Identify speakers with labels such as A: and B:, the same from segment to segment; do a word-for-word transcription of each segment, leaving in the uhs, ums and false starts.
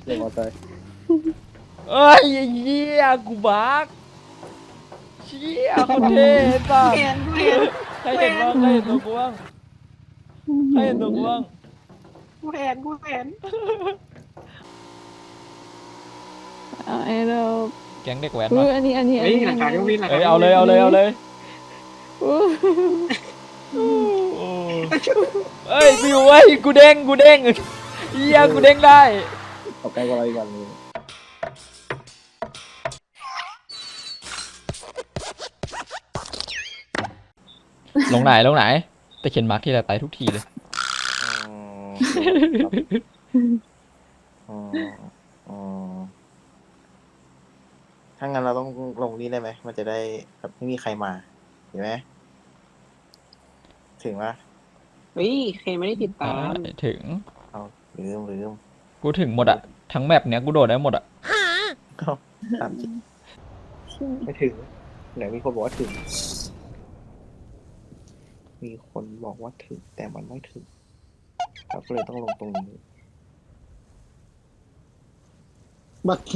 A: เด็กมอเตอร์
B: เอ้ยเหี้ยกูบักเชี่ยคนเท่ป่ะ
C: เห็นเห็น
B: ใครเห็นบ้างใครเห็นตัวกูบ้างใครเห็นตัวกูบ้าง
C: กูเห็นกูเห็น
D: เอาไอ้เรา
B: แก๊งเด็กแว้น
D: อุ้
B: มาย
D: อันนี้อันนี้อัน
C: เฮ้ย
D: นี้
C: หลังคาเครื่องบินหลัง
B: เอ้
C: คาย
B: เอาเลยเอาเลยเอาเลย
D: อู้
B: เอ้ยกูอยู่เว้ยกูเด้งกูเด้งเฮียกูเด้งได้
A: เอาใกล้กว่าเราอีกวันนึง
B: ลงไหนลงไหนแต่เขียนมาร์คที่ไรตายทุกทีเลย
A: อ๋ออ๋อถ้างั้นเราต้องลงนี่ได้ไหมมันจะได้แบบไม่มีใครมาเห็นไหมถึงว่า
C: เฮ้ยเคนไม่ได้ติดตาม
B: ถึง
A: เอาลืมลืม
B: กูถึงหมดอะทั้งแมปเนี้ยกูโดดได้หมดอะ
A: เอาตามจริงไม่ถึงไหนมีคนบอกว่าถึง มีคนบอกว่าถึง แต่มันไม่ถึงเราก็เลยต้องลงตรงนี้
C: บักกี้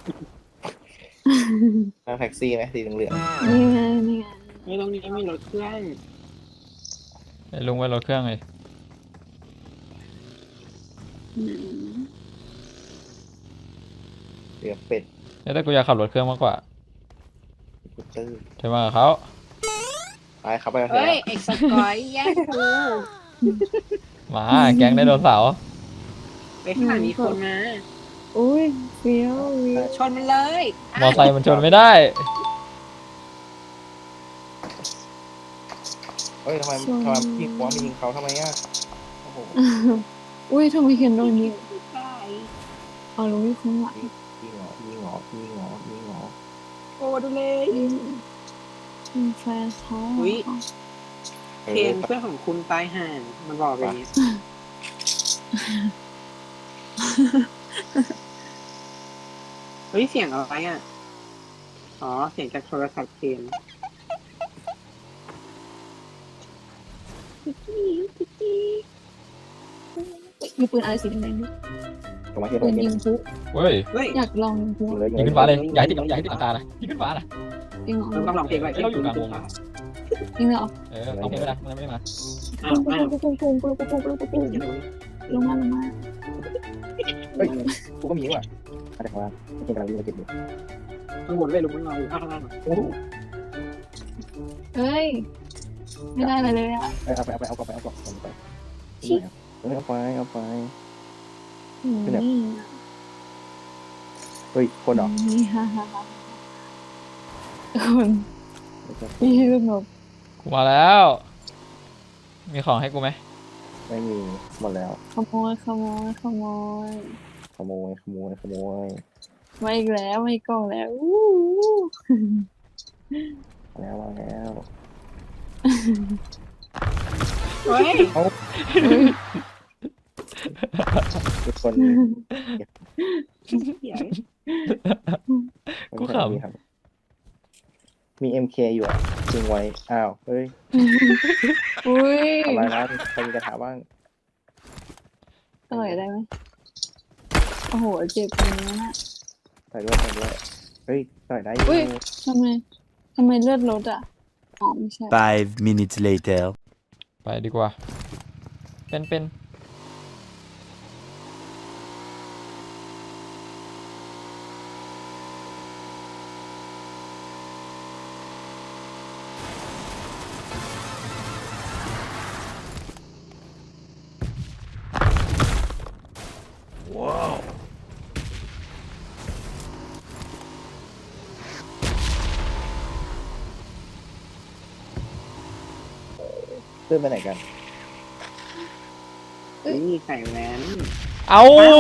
A: นั่งแท็กซี่ไหมสีเหลือง
D: นี่ไงนี่ไง
C: ไม่ตรงนี้มีรถเครื่อง
B: ไอ้ลุงไว้รถเครื่องเลย
D: อืม
A: ๆเหลืองเป็ด
B: แต่กูอยากขับรถเครื่องมากกว่า
A: กูตื้อ
B: ใช่ไหมกับเขา
A: ไปครับไปกันเถ
C: เฮ้ย
A: อะ
C: ไอ้สกอยแย่งกู
B: มาแก๊งไดโนเสาร์
C: ไปข้างหลังมีคนมา
D: อุ้ยเฟี้ยวเฟี้ยว
C: ชนมันเลย
B: มอไซค์มันชนไม่ได้
A: เฮ้ยทำไมทำไมพี่หัวมายิงเขาทำไมอ่ะโอ้โห
D: อุ้ยทำไมเขียนโดนยิง
C: ได้
D: เอาลงที่ข้างหลัง
A: ยิงเหรอยิงเหรอยิงเหรอยิงเหรอ
C: โอ้ดูเลย
D: อืมอืมแฟนเขา
C: อุ๊ย
A: เอ
C: เคน
A: อ
C: เพื่อนของคุณตายห่างมันบอกอย่างนี้เฮ้ยเสียงอะไรอ่ะอ๋อเสียงจากโทรศัพท์เคน
D: มีปืนอะไรสีแดงๆด้วย
A: ตรงมาเทียบ
D: ปืน
A: กัน
D: ยิงพลุ
B: เฮ้ย
C: เฮ้ย
D: อยากลองยิงพลุ
A: เลย
B: ยิงขึ้นฟ้าเลยอย่าให้ติดอย่าให้ติดหลังคานะยิงขึ้นฟ้านะ
D: จริงเหรอ
C: เราต้องลองเพลงไว้
B: เราอยู่กลางวง
D: จริงเหรอ
B: เออเอาเพลงไม่ได้มันไม่ได้มา
C: อ้าวอ้าว
D: ปุ้งปุ้งปุ้งปุ้งปุ้งปุ้งปุ้งปุ้งปุ้งลงมาลงมา
A: เฮ้ยกูก็มีว่ะอะไรของเราจริงกำลังวิ่งมาเก็บอยู่
C: ข้างบนเลยลุงไม่ลองอยู่ข้างล่าง
A: โอ้โห
D: เฮ้ยไม่ได้อะไรเลยอ่ะ
A: เอาไปเอาไปเอากลับไปเอากลับเอาไปเอาไปเอาไป
D: อืม
A: เฮ้ยคนเหรอ
D: นี่ฮ่าฮ่าฮ่าคนพี่สงบ
B: กูมาแล้ว มีของให้กูไหม
A: ไม่มีหมดแล้ว
D: ขโมยขโมยขโมย
A: ขโมยขโมยขโมย
D: มาอีกแล้วมาอีกกล่องแล้วอู้
A: แล้วมาแล้ว
C: เฮ้ย
A: ทุกคน
C: เสียง
B: กูข
A: มี เอ็ม เค อยู่อ่ะจริงไว้อ้าวเฮ้ย
D: อุ้ย
A: อะไรนะใครมีกระถาบ้าง
D: อร่อยได้ไหมโอ้โหเจ็บตรงนี้นะ
A: ใส่ด้วยใส่ด้วยเฮ้ยใส่ได้อยู่
D: อุ้ยทำไมทำไมเลือดลดอ่ะอ๋อไม่ใช่
E: Five minutes later.
B: ำไปดีกว่า เป็นเป็น
A: เพื่อนไปไหนกัน
C: นี่ใส่แหวน
B: เอา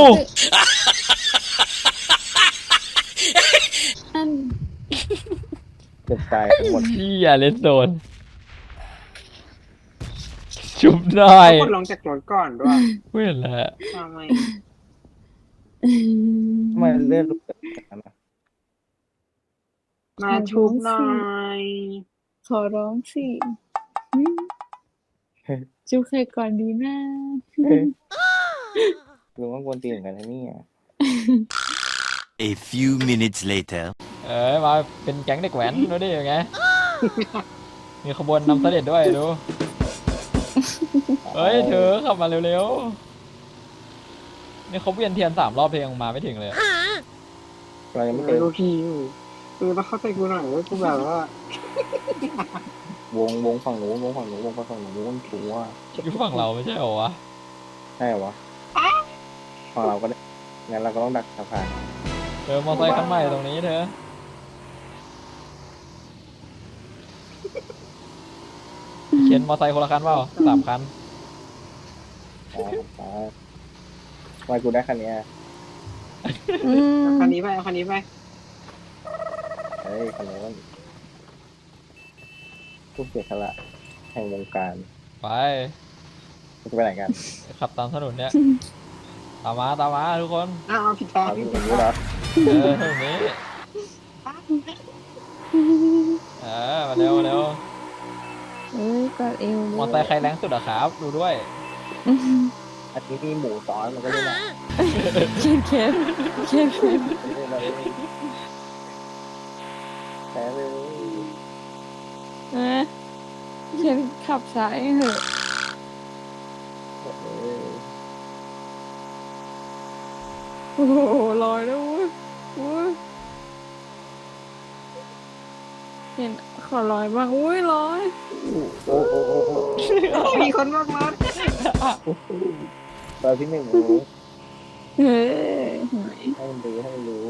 D: อัน
A: เกือบตายทั้งหมด
B: เฮียเลสโซนชุบหน่อย
C: กดลงจากรถก่อนด้วย
B: เว้ยแหละ
C: ทำไม
A: ทำไมเลือดลุกแบบนั้นอ่ะ
C: มาชุบหน่อย
D: ขอร้องสิอืมจุ๊บใครก่อนดีนะ
A: ลุงว่ากวนตีนเหมือนกันนะเนี่ย
E: A few minutes later.
B: เอ้ยมาเป็นแก๊งเด็กแหวนดูดิยังไงมีขบวนนำเสด็จด้วยดูเฮ้ยเธอขับมาเร็วๆนี่เขาเวียนเทียนสามรอบเพลงมาไม่ถึงเลย
A: เรายังไม่
C: ไม่
A: เจอ
C: รู้พี่อยู่คือต้องเข้าใจกูหน่อยว่ากูแบบว่าว
A: งวงฝั่งนู้นวงฝั่งนู้นวงฝั่งนู้นถูว่า
B: อยู่ฝั่งเราไม่ใช่เหรอวะ
A: ใช่เหรอวะฝั่งเราก็ได้งั้นเราก็ต้องดักสะพาน
B: เธอมอไซค์คันใหม่ตรงนี้เธอเขียนมอไซค์คนละคันเปล่าสามคัน
A: อ๋ออ๋อทำไมกูได้คันเนี้ย
D: อืม
C: คันนี้ไปเอาคันนี้ไป
A: เฮ้ยคันนี้มันผู้เสียสละแห่งวงการ
B: ไป
A: จะไปไหนกัน
B: ขับตามถนนเนี่ยตามมาตามมาทุกคน
C: อ้าวผิดทาง
A: เอา
C: ผิ
A: ที่
C: ด
A: ตรงนี้เหรอ
B: เออถนนนี้เออมาเร็วมาเร็ว
D: เอ้ยกอดเอว
B: มอไซค์ใครแรงสุดอะครับดูด้วย
A: อันนี้มีหมูซ้อนมันก็ได้นะ
D: เขียนเขียนเขียนเขียน
A: แพ้เลย
D: นะเขียนขับซ้ายเหอะ
A: เออ
D: โอ้โหลอยแล้วเว้ยเว้ยเห็นขอลอยบ้างอุ้ยลอย
A: โอ้โอ้โอ้โอ้
C: มีคนบ้างรถ
A: ตอนที่หนึ่งรู้
D: เฮ้ย
A: ให้มันรู้ให้มันรู้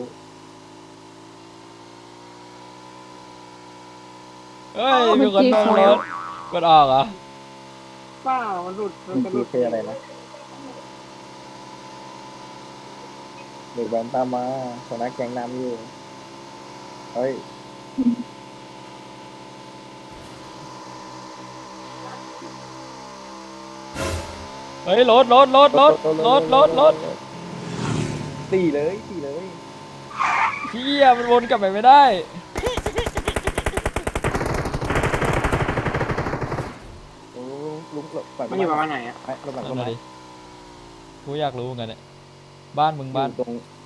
B: เฮ้ยมีคนโดนรถกดออกเหรอ
C: เปล่ามันหลุดมัน
A: มัน
C: จะห
A: คื
C: ลุ
A: อ
C: ด
A: เพลอะไรนะเด็กแว้นตามมาหัวหน้าแก๊งน้ำอยู่เฮ้ย
B: เฮ้ยรถรถรถรถรถรถรถ
A: ตีเลยตีเลย
B: เฮียมันวนกลับไปไม่ได้
A: โอ้ลุกหลบก่อน
C: มันอยู่ประมาณไหนอ่ะ
A: ไอ้หลบก่อนหล
B: นั่
A: บ
B: น
A: ก่อ
B: น่ะ
A: น
B: ดิกูอยากรู้เหมือนกันเนี่ยบ้านมึงบ้าน
A: ตรง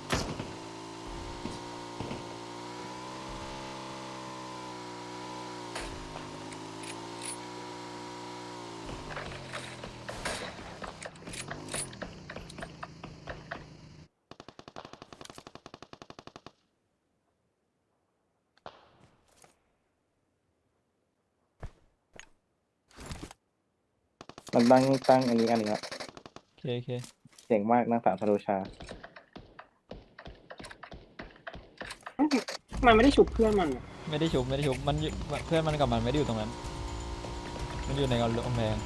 A: มันตั้งตั้งอันนี้อันนี้ครับ
B: โอเคโอเค
A: เจ๋งมากนางสาวธโรชา
C: มันไม่ได้ฉุบเพื่อนมันอะ
B: ไม่ได้ชุบไม่ได้ชุบมันอยู่เพื่อนมันกับมันไม่ได้อยู่ตรงนั้น มันอยู่ในกำแพง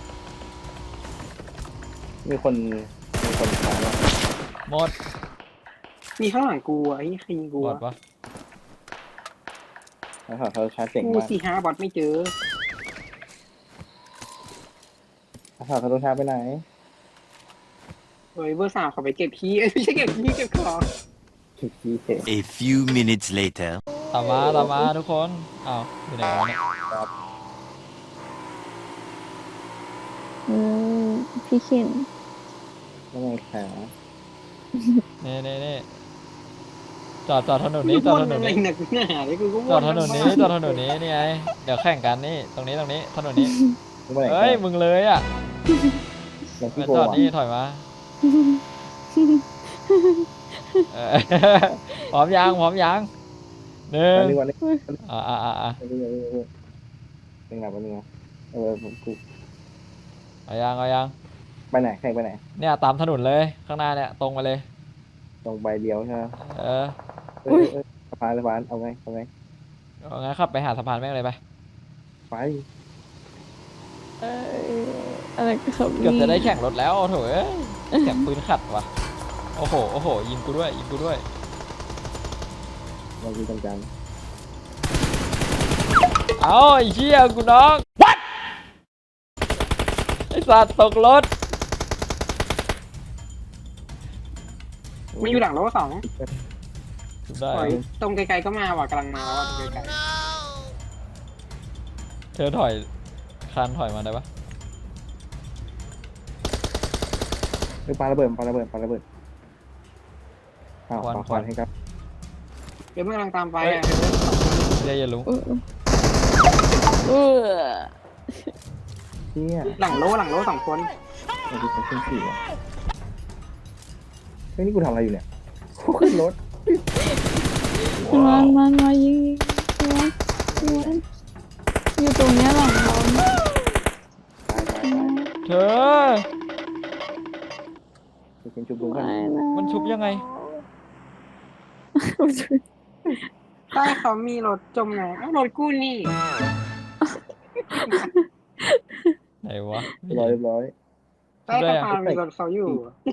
A: มีคนมีคนถามว่า
B: หมด
C: มีข้างหลังกูอ่ะไอ้ใครยิงกู
B: บอด
C: อ่ะ
B: ปะ
A: นางสาวธโรชาเจ๋ง
C: กู
A: มาก
C: สี่ห้าบอทไม่เจอน
A: างสาวธโรชาไปไหน
C: เฮ้ยเบอร์สามเขาไปเก็บขี้เอ้ยไม่ใช่เก็บขี้เก็บของ
A: คิดที่เจ๋ง
E: A few minutes later.
B: ตามมาตามมาทุกคนอ้าวอยู่ไหนวะเนี่ย
D: เออพี่เขียน
A: ไม่ไงขา
B: เน่เน่เน่จอดจอดถนนนี้จอดถนน
C: อะไร
B: นี้
C: หนักหนาเลยกูก็
B: จอดถนนนี้จอดถนนนี้นี่ไงเดี๋ยวแข่งกันนี่ตรงนี้ตรงนี้ถนนนี้
A: ไม่ไปไหน
B: เฮ้ยมึงเลยอ่ะ
A: ยัง
B: มา
A: พี่โก
B: จอด
A: อ่ะ
B: นี่ถอยมาเออ พร้อมยังพร้อมยังหนึ่ง
A: นึกว่านึก
B: อ่าอ่าอ่าอ่า
A: นึกว่านึกว่านึกว่านึกว่าเออผมกู
B: เอายังเอายัง
A: ไปไหนแข่งไปไหน
B: เนี่ยตามถนนเลยข้างหน้าเนี่ยตรงไปเลย
A: ตรงใบเดียวใช่ไหม
B: เออ
A: เออเออสะพานสะพานเอาไงเอาไง
B: เอางั้นขับไปหาสะพานแม่งเลยไป
A: ไป
D: เอออะไรก็ขับ
B: เกือบจะได้แข่งรถแล้วโถ่เอ้ยแข่งปืนขัดว่ะโอ้โหโอ้โหยิงกูด้วยยิงกูด้วย
A: เราดูจังจัง
B: เอาไอ้เชี่ยกูน้อง What ไอ้สัตว์ตกรถ
C: มันอยู่หลังรถสอง
B: ถูกได้
C: ถอยตรงไกลๆก็มาว่ะกำลังมาว่ะตรงไกล
B: เธอถอยคานถอยมาได้ปะ
A: เออปาระเบิดปาระเบิดปาระเบิดอ้าว
B: ควัน
A: ขอ
B: ค
A: ค
B: วั
A: วัน นให้ครับ
C: เดี๋ยวเมื่อกำลังตามไป
B: เฮ้ย
C: อ่ะเดี๋ยวเดี๋ยวสองคน
B: เดี๋ยวอย่าลุง
D: เออเออ
A: เชี่ย
C: หลังโลหลังโลสองคน
A: เราดูเขาขึ้นสี่ว่ะเฮ้ยนี่กูทำอะไรอยู่เนี่ยกูขึ้นรถ
D: มันมันมายิงยิงมันมันอยู่ตรงเนี้ยหลังเราเนี่ย
A: ตายตายตาย
B: เธอ
A: กูกินจุบลุงกัน
D: ไม่นะ
B: มันชุบยังไง
C: ใต้เขามีรถจมน้ำเอ้ารถกู้นี่
B: ไหนวะ
A: เรียบร้อยเรียบร้อย
C: ใต้สะพานมีรถเขาอยู่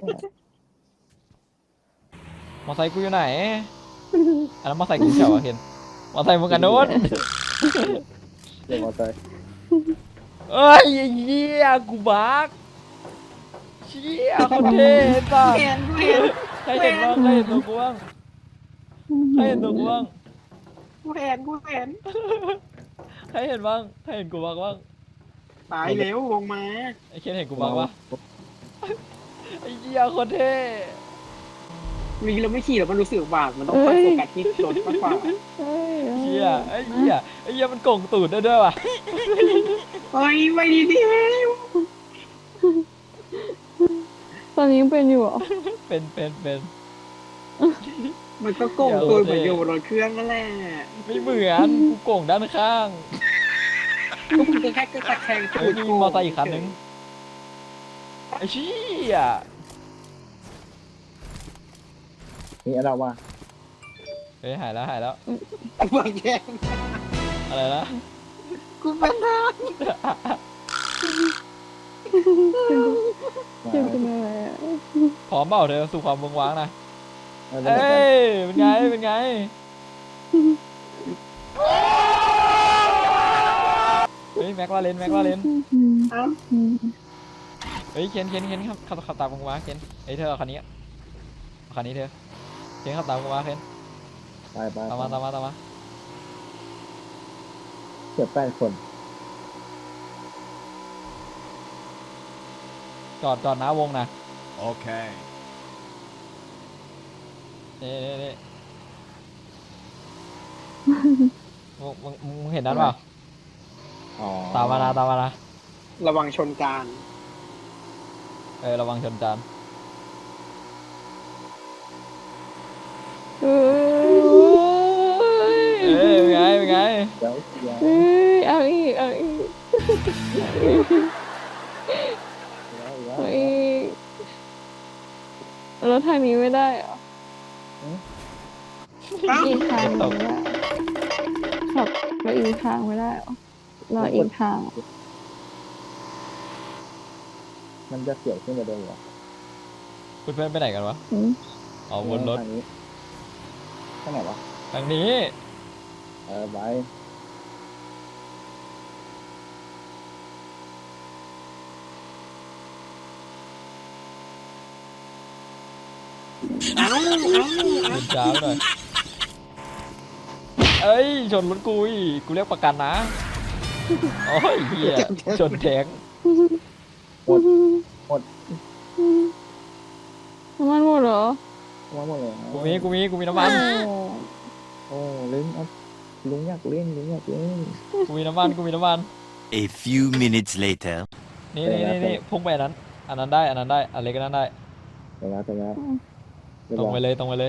B: มอไซค์กูอยู่ไหนอันนั้นมอไซค์กูเฉาวะเห็นมอไซค์มึงกันโน้น
A: เดี๋ยวมอเตอร์
B: เอ้ยไอ้เหี้ยกูบักเชี่ยคนเท่ป่ะ
C: เห็นกูเห็น
B: ใครเห็นบ้างใครเห็นตัวกูบ้างใครเห็นตัวกูบ้าง
C: กูเห็นกูเห็น
B: ใครเห็นบ้างใครเห็นกูบ้างบ้าง
C: ตายเร็วลงมา
B: ไอ้เคนเห็นกูบ้างปะไอ้เหี้ยคนเท่
C: มีเราไม่ขี่หรอกมันรู้สึกบาดมันต้องคอยโฟกัสที่รถมากกว่า
D: เฮ้ย
B: เหี้ยไอ้เหี้ยไอ้เหี้ยมันโก่งตูดได้ด้วยว่ะ
C: เฮ้ยไปดีดีไหม
D: ตอนนี้ยังเป็นอยู่เหรอ
B: เป็นเป็นเป็น
C: มันก็โก่งตัวเหมือนอยู่บนรถเครื่องนั่นแหละ
B: ไม่เหมือนกูโก่งด้านข้าง
C: ก็มึงแค่ก็ตะแคง
B: เฮ้ยมีมอเตอร์อีกคันนึงไอ้เชี่ย
A: นี่อะไรวะ
B: เฮ้ยหายแล้วหายแล้ว
C: กูไปแย่ง
B: อะไรนะ
C: กูเป็นทาง
A: มา
D: เจ็บเป็นอะไรอ่ะ
B: พร้อมเปล่าเธอสู่ความเมืองว้างนะ
A: เอาเล่น
B: เอ้
A: กัน
B: ยเป็นไงเป็นไงเฮ้ยแม็กลาเรนแม็กลาเรน
C: อ้าว
B: เฮ้ยเคนเคนเคนขับขับขับตามมึงมาเคนเฮ้ยเธอเอาคันนี้เอาคันนี้เธอเคนขับตามมึงมาเคน
A: ไปไป
B: ตามมาตามมาตามมา
A: เกือบแปดคน
B: จอดจอดหน้าวงนะ
E: Okay.
B: นี่นี่นี่มึงมึงมึงเห็นนั้นเปล่า
A: อ๋อ
B: ตามมานะตามมานะ
C: ระวังชนจาน
B: เออระวังชนจาน
D: เอ้ย
B: เอ้ยเป็นไงเป็นไง
A: เดี๋ยวเดี๋ยว
D: เอ้ยเอาอีกเอาอีก
A: เดี๋ยวเดี๋ยว
D: เอาอีกรถทางนี้ไม่ได้เหรอ
C: อ้าว
D: อีกทางหนึ่งไม่ได้ขับไปอีกทางไม่ได้เหรอรออีกทาง
A: มันจะเสียวขึ้นกว่าเดิมเหรอ
B: เพื่อนๆไปไหนกันวะ
D: อืม
B: อ๋อวนรถ
A: ทางนี้ข้างไหนวะ
B: ทางนี้
A: เออไป
C: อ้าวอ้าว
B: ตื่นเช้าหน่อยเอ้ยชนรถกูอีกกูเรียกประกันนะโอ้ยเหี้ยชนแทง
D: น้ำมันหมดเหรอ
A: ว่าหมดเลย
B: กูมีกูมีกูมีน้ำมัน
D: โอ้
A: โอ้ลุงเอาลุงอยากเล่นลุงอยากเล่น
B: กูมีน้ำมันกูมีน้ำมัน
E: A few minutes later.
B: นี่นี่นี่นี่พุ่งไปอันนั้น อันนั้นได้อันนั้นได้อันเล็กก็นั้นได้
A: ไปแล้วไปแล้วเรียบ
B: ตรง
A: ร้
B: ไป
A: อย
B: เลยตรงไปเลย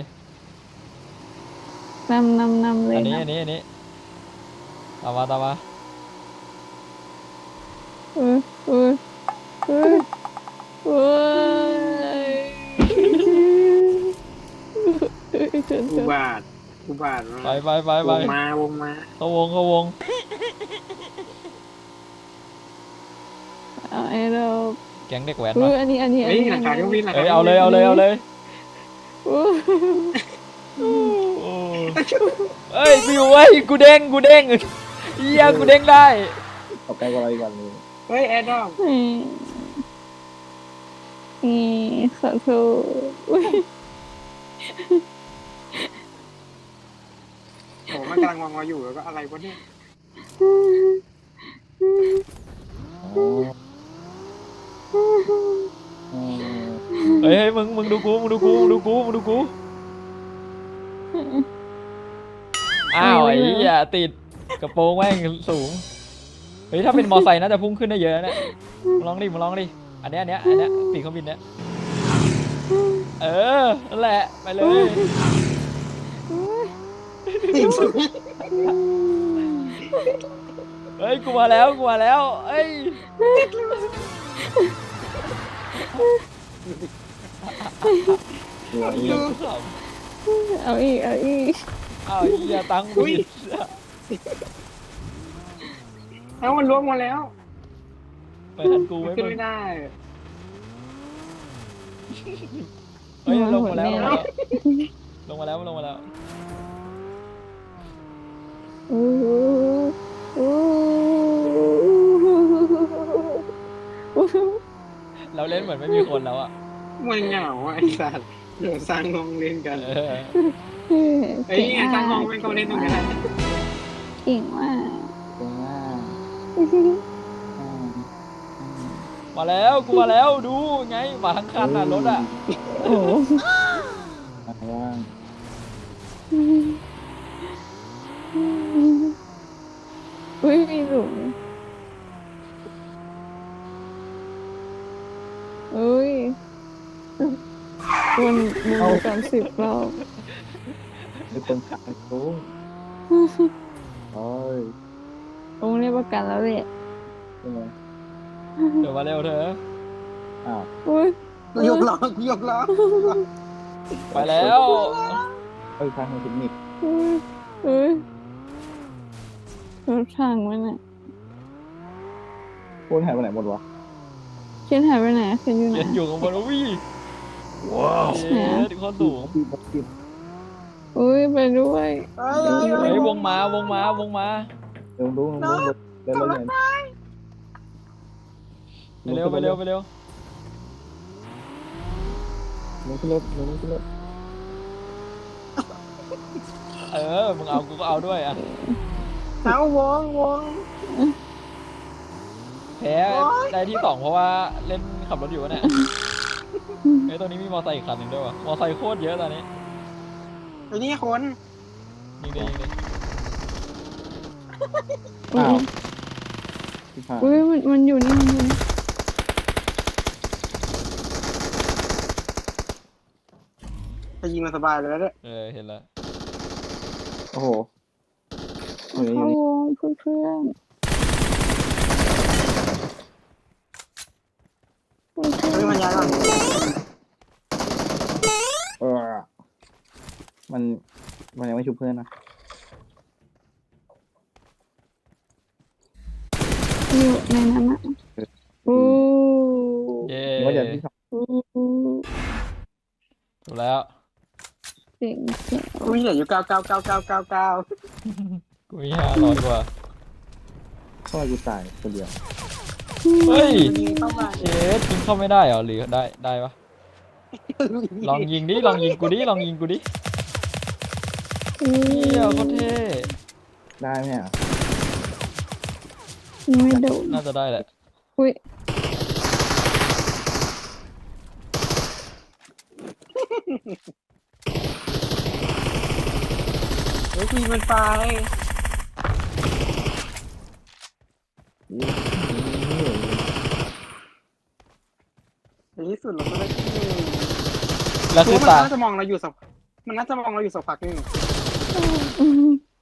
D: นำนำนำเลย
B: อันนี้
D: นะ
B: อันนี้อันนี้ตามมาตามมา
D: เออเออเออเออเฉิน
C: กู
D: เฉิน
C: บาดกูบาด
B: ไปไปไปไป
C: วงมาวงมา
B: เข้าวงเข้าวง
D: เอาไอ้เรา
B: แก๊งเด็กแว้น
D: เอ
B: มา
D: ออันนี้อันนี้อัน
C: เฮ้ย
D: นี้
C: หลังคาเครื่องบินหลัง
B: เอ้
C: คาย
B: เอาเลยเอาเลยเอาเลย
D: โอ้
B: โอ้เอ้ยกูอยู่เว้ยกูเด้งกูเด้งเฮียกูเด้งได้
A: เอาใกล้กว่าเราอีกวันนึง
C: เฮ้ยแอร์ดรอป
D: ยนี่ขอโทษอุ๊ย
C: โอ้มันกำลังวางมาอยู่แล้วก็อะไรวะเนี่ย
A: อ๋ออ๋อ
B: เฮ้ยเฮ้ยมึงมึงดูกูมึงดูกูมึงดูกูมึงดูกูอ้าวไอ้เหี้ยติดกระโปรงแม่งสูงเฮ้ยถ้าเป็นมอไซค์น่าจะพุ่งขึ้นได้เยอะนะเนี่ยมาลองดิมาลองดิอันเนี้ยอันเนี้ยอันเนี้ยปีกเครื่องบินเนี้ยเออนั่นแหละไปเลยเฮ้ยกูมาแล้วกูมาแล้วเอ้ย
D: เอาอีกเอาอีก
B: อ้าวเหี้ยตังค์บิด
C: เอ้ามันล่วงมาแล้ว
B: ไปทันกู
C: มัน
B: ไว้
C: ขึ้น
B: มึง
C: ไม่ได้
B: เฮ้ยลงมาแล้วลงมาแล้วลงมาแล้ว
D: อู้อู้
B: เราเล่นเหมือนไม่มีคนแล้วอ่ะ
C: มันเหงาอ่ะไอ้สัตว์เดี๋ยวสร้างห้องเล่นกัน
B: เออ
C: เฮ้ยไงสร้างห้องเป็นเขาเล่นตรงนี้ได้
D: เก่งมาก
A: ตรงหน้าอ่า
B: มาแล้วกูมาแล้วดูไงมาทั้งคันอ่ะรถอ่ะ
D: โอ้โห
A: อ่าว่าง
D: อุ้ยมีหลุมอุ้ยวนวนกันสิบรอบ
A: มีคนขับไปโค้งโอ้ย
D: ตรงนี้ประกันแล้วแหละ
A: ใช่ไหม
B: เดี๋ยวมาเร็วเธอ
A: อ้าว
D: อุ้ย
C: ยกล้อ ยกล้อ
B: ไปแล้ว
A: เอ้ยทางเทคนิค
D: อุ้ยอุ้ยรถถังมันอ่ะ
A: พูดหายไปไหนหมดวะ
D: เคนหายไปไหนเคนอยู่ไหน
B: เย็นอยู่ข้างบนวิ่งว้าวเย็นโคตรสูง
A: ที่บักกิบ
D: อุ้ยไปด้วย
C: เฮ้ย
B: เฮ้ยวงมาวงมาวงมา
A: ลงดูลงดูเร็วเร็วเร็ว
B: ไปเร็วไปเร็วไปเร็ว
A: ลงขึ้นรถลงขึ้นรถ
B: เออมึงเอากูก็เอาด้วยอ่ะ
C: เอาวงวง
B: แพ้ได้ที่สองเพราะว่าเล่นขับรถอยู่วะเนี่ยไอ้ยตัวนี้มีมอไซค์อีกคันหนึ่งด้วยวะมอไซค์โคตรเยอะตอนนี้
C: ไอ้นี่คน
B: ยิงเลยยิงเลย
A: อ้าวที่ผ่าน
D: อุ้ยมันมันอยู่นี่มันอยู่นี่
C: ไปยิงมาสบายเลยแล้วเนี่ย
B: เออเห็นแล้ว
A: โอ้โหเฮ้ย
D: เข้าวงเพื่อนเพื่อนเพื่อน
C: เฮ้ยมันย้ายก่อน
A: เออมันมันยังไม่ชุบเพื่อนนะ
D: อยู่ในนั้นอ่ะอู้
B: เย้
A: นี่ว่าจะที่สอง
D: อู้
B: ถูกแล้ว
D: เจ๋งเจ๋ง
C: อุ้ยเหลืออยู่เก้าเก้าเก้าเก้าเก้าเก้า
B: กูมีห้าร้อยกว่า
A: ทำไมกูตายคนเดียว
B: เฮ้ย
C: ยิงเข้ามา
B: เชฟยิงเข้าไม่ได้เหรอหรือได้ได้ปะลองยิงดิลองยิงกูดิลองยิงกูดิ
D: อู้
B: เฮียโคตรเท่
A: ได้ไหมอ่ะ
D: ไม่โดน
B: น่าจะได้แหละ
D: อุ้ย
C: เฮ้ยยิงมันไป
A: นี่นี่
C: ในที่สุดเราก็ได้ที่หนึ่ง
B: แล้วคือ
C: มัน
B: ตา
C: น่าจะมองเราอยู่สักมันน่าจะมองเราอยู่สักพักหนึง
D: อืม